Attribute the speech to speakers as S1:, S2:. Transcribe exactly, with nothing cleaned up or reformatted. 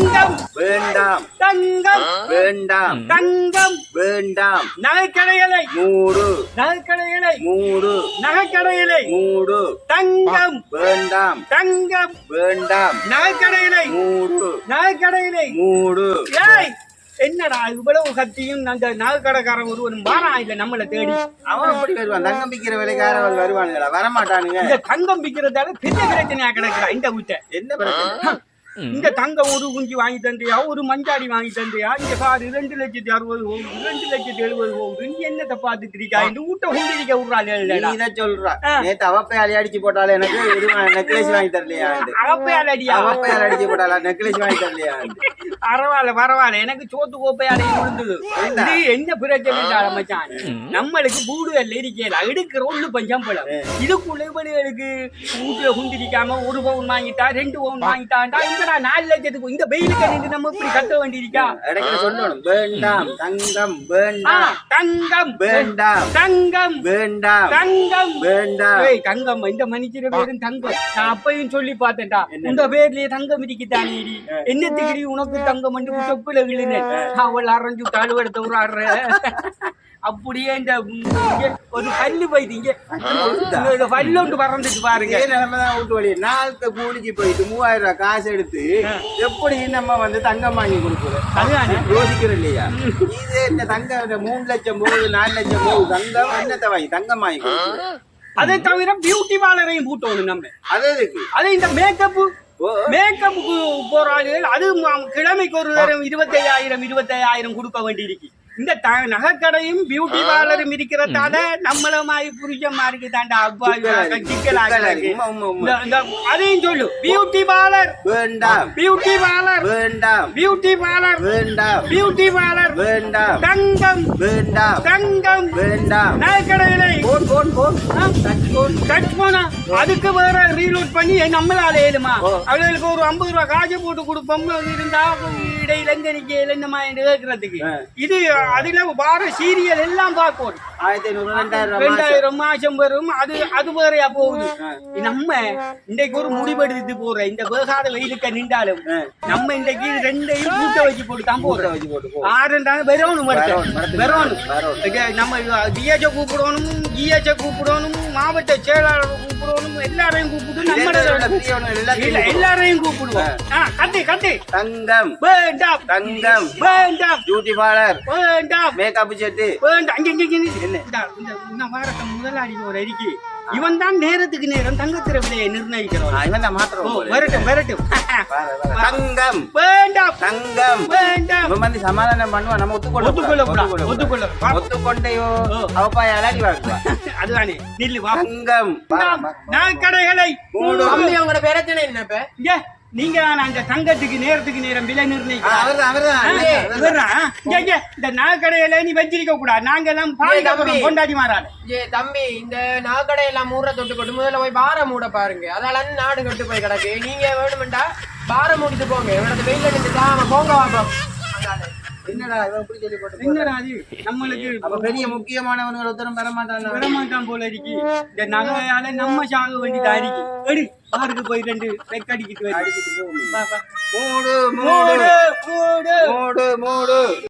S1: தங்கம்
S2: வேண்டாம்
S1: தங்கம்
S2: வேண்டாம்
S1: தங்கம்
S2: வேண்டாம்
S1: நகைக்கடைகளை
S2: மூடு
S1: நகைக்கடைகளை
S2: மூடு
S1: நகைக்கடைகளை
S2: மூடு
S1: தங்கம்
S2: வேண்டாம்
S1: தங்கம்
S2: வேண்டாம்
S1: நகைக்கடைகளை
S2: மூடு
S1: நகைக்கடைகளை
S2: மூடு
S1: ஏய் என்னடா இவ்வளவு கத்தியும் அந்த நகைக்கடைக்காரன் ஒருவன் வாரா இல்ல நம்மள தேடி
S2: அவன் எப்படி வருவான் தங்கம் விக்கிற விலைக்காரவன் வருவானுங்களா வரமாட்டானுங்க
S1: இந்த தங்கம் விக்கிறதால பெரிய பிரச்சனையா கிடக்குறா இந்த வீட்டை
S2: என்ன பிரச்சனை
S1: இந்த தங்கம் ஒரு குஞ்சு வாங்கி தந்தையா ஒரு மஞ்சாடி வாங்கி தந்தையா இங்க பாரு ரெண்டு லட்சத்தி அறுபது போகுது ரெண்டு லட்சத்தி எழுபது போகுது நீ என்னத்தை பாத்துட்டு இருக்கா இந்த வீட்டை குண்டிரிக்க விடுறாள்
S2: நீ இதை சொல்றா நேத்து அவப்பையாளி அடிச்சு போட்டாலும் எனக்கு நெக்லஸ் வாங்கி தரலையா
S1: அவப்பையால் அடியா
S2: அவப்பையால் அடிச்சு போட்டாளா நெக்லஸ் வாங்கி தரலையா
S1: பரவாயில்ல பரவாயில்ல எனக்கு சோத்து கோப்பையாலையும் விழுந்தது இது என்ன பிரச்சனை மச்சான் நம்மளுக்கு கூடுதல் இருக்கல எடுக்கிற ஒண்ணு பஞ்சம் போல இதுக்குள்ள இவளுக்கு வீட்டுல குண்டிரிக்காம ஒரு பவுன் வாங்கிட்டா ரெண்டு பவுன் வாங்கிட்டான்டா இந்த நாலு லட்சத்துக்கு இந்த வெயிலுக்கு நின்று நம்ம இப்படி கட்ட வேண்டியிருக்கா
S2: சொல்லணும் வேண்டாம் தங்கம் வேண்டாம்
S1: தங்கம்
S2: வேண்டாம்
S1: தங்கம்
S2: வேண்டாம்
S1: தங்கம்
S2: வேண்டாம்
S1: தங்கம் இந்த மனுஷர பேரும் தங்கம் நான் அப்பையும் சொல்லி பார்த்தேன்டா இந்த பேர்லயே தங்கம் இருக்குதானே என்னத்துக்கு உனக்கு தங்கம் வந்து சொப்புல விழுந்தேன் அவள் அரைஞ்சு தாழ்வெடுத்த ஒரு ஆடுற அப்படியே இந்த ஒரு பல்லு போயிட்டு இங்க பல்லொண்டு பறந்துட்டு பாருங்க
S2: நிலைமைதான் வீட்டு வழி நாளுக்கு கூலிக்கு போயிட்டு மூவாயிரம் ரூபாய் காசு எடுத்து எப்படி நம்ம வந்து தங்கம் வாங்கி கொடுக்குறோம்
S1: அதுதான்
S2: யோசிக்கிறோம் இல்லையா இதே இந்த தங்கம் மூணு லட்சம் போகுது நாலு லட்சம் போகுது தங்கம் என்னத்தை வாங்கி தங்கம் வாங்கி கொடுக்குறோம்
S1: அதை தவிர பியூட்டி பார்லரையும் கூட்டணும் நம்ம
S2: அது இருக்கு
S1: அது இந்த மேக்கப்பு மேக்கப்புக்கு போற ஆளுகள் அது கிழமைக்கு ஒரு நேரம் இருபத்தி ஐயாயிரம் இருபத்தி ஐயாயிரம் கொடுக்க வேண்டியிருக்கு இந்த நகைக்கடையும் பியூட்டி பார்லரும் இருக்கிறதால நம்மள மாதிரி புரிச்சமா இருக்கு தாண்டா அப்பா அதையும் சொல்லு பியூட்டி பார்லர்
S2: வேண்டாம்
S1: பியூட்டி பார்லர்
S2: வேண்டாம்
S1: பியூட்டி பார்லர்
S2: வேண்டாம்
S1: பியூட்டி பார்லர்
S2: வேண்டாம்
S1: தங்கம்
S2: வேண்டாம்
S1: தங்கம்
S2: வேண்டாம்
S1: நகைக்கடைகளை
S2: போன் போன் போன்
S1: கட் போனா அதுக்கு வேற ரீலோட் பண்ணி நம்மளால ஏழுமா அவங்களுக்கு ஒரு ஐம்பது ரூபாய் காசு போட்டு கொடுப்போம் இருந்தா இடையில எங்க நிக்க என்னமா கேட்கறதுக்கு இது அதுல வார சீரியல் எல்லாம் பார்க்கணும்
S2: ஆயிரத்தி ஐநூறு ரெண்டாயிரம்
S1: ரெண்டாயிரம் மாசம் வரும் அது அது வேறையா போகுது நம்ம இன்றைக்கு ஒரு முடிவெடுத்து போற இந்த வேகாத வெயிலுக்க நின்றாலும் நம்ம இன்றைக்கு ரெண்டையும் கூட்ட வச்சு போட்டு தான் போடுற வச்சு போட்டு ஆறுண்டாங்க வெறணும் வெறணும் நம்ம டிஎச்ச கூப்பிடணும் ஜிஎச்ச கூப்பிடணும் மாவட்ட செயலாளர் கூப்பிடணும் எல்லாரையும் கூப்பிட்டு நம்ம எல்லாரையும் கூப்பிடுவோம் கட்டி கட்டி
S2: தங்கம்
S1: வேண்டாம்
S2: தங்கம்
S1: வேண்டாம்
S2: பியூட்டி பார்லர்
S1: வேண்டாம்
S2: மேக்கப் செட்டு
S1: வேண்டாம் அங்க வாரத்தை முதலாளி ஒரு அறிக்கை இவன் தான் நேரத்துக்கு நேரம் தங்கத்திர விலையை நிர்ணயிக்கிறோம்
S2: இவன் தான் மாத்திரம்
S1: வரட்டும் வரட்டும்
S2: தங்கம்
S1: வேண்டாம்
S2: தங்கம்
S1: வேண்டாம்
S2: இவன் வந்து சமாதானம் பண்ணுவான் நம்ம ஒத்துக்கொள்ள
S1: ஒத்துக்கொள்ள ஒத்துக்கொள்ள
S2: ஒத்துக்கொண்டையோ அவப்பாய் அலாடி வாழ்க்கை
S1: அதுதானே நில்லு வா
S2: தங்கம்
S1: நான் கடைகளை
S3: உங்களோட பிரச்சனை என்ன
S1: இங்க நீங்க அந்த தங்கத்துக்கு நேரத்துக்கு நேரம் விலை நிர்ணயிக்கிறோம் இந்த நகைக்கடையில நீ வச்சிருக்க கூடாது நாங்க எல்லாம் கொண்டாடி மாறாது
S3: தம்பி இந்த நகைக்கடை எல்லாம் மூட தொட்டு கொண்டு முதல்ல போய் பார மூட பாருங்க அதால நாடு கட்டு போய் கிடக்கு நீங்க வேணுமெண்டா பார மூடிட்டு போங்க இவனது வெயில நின்று போங்க வாப்போம்
S2: என்னடா இவன் இப்படி சொல்லி போட்டு
S1: என்னடா அது நம்மளுக்கு
S2: அப்ப பெரிய முக்கியமானவங்க ஒருத்தரும் வரமாட்டாங்க
S1: வரமாட்டான் போல இருக்கு இந்த நகையால நம்ம சாக வேண்டியதா இருக்கு எடு பாருக்கு போய் ரெண்டு வெக்கடிக்கிட்டு
S2: அடிக்கிட்டு போகும்
S1: மூடு மூடு மூடு
S2: மூடு மூடு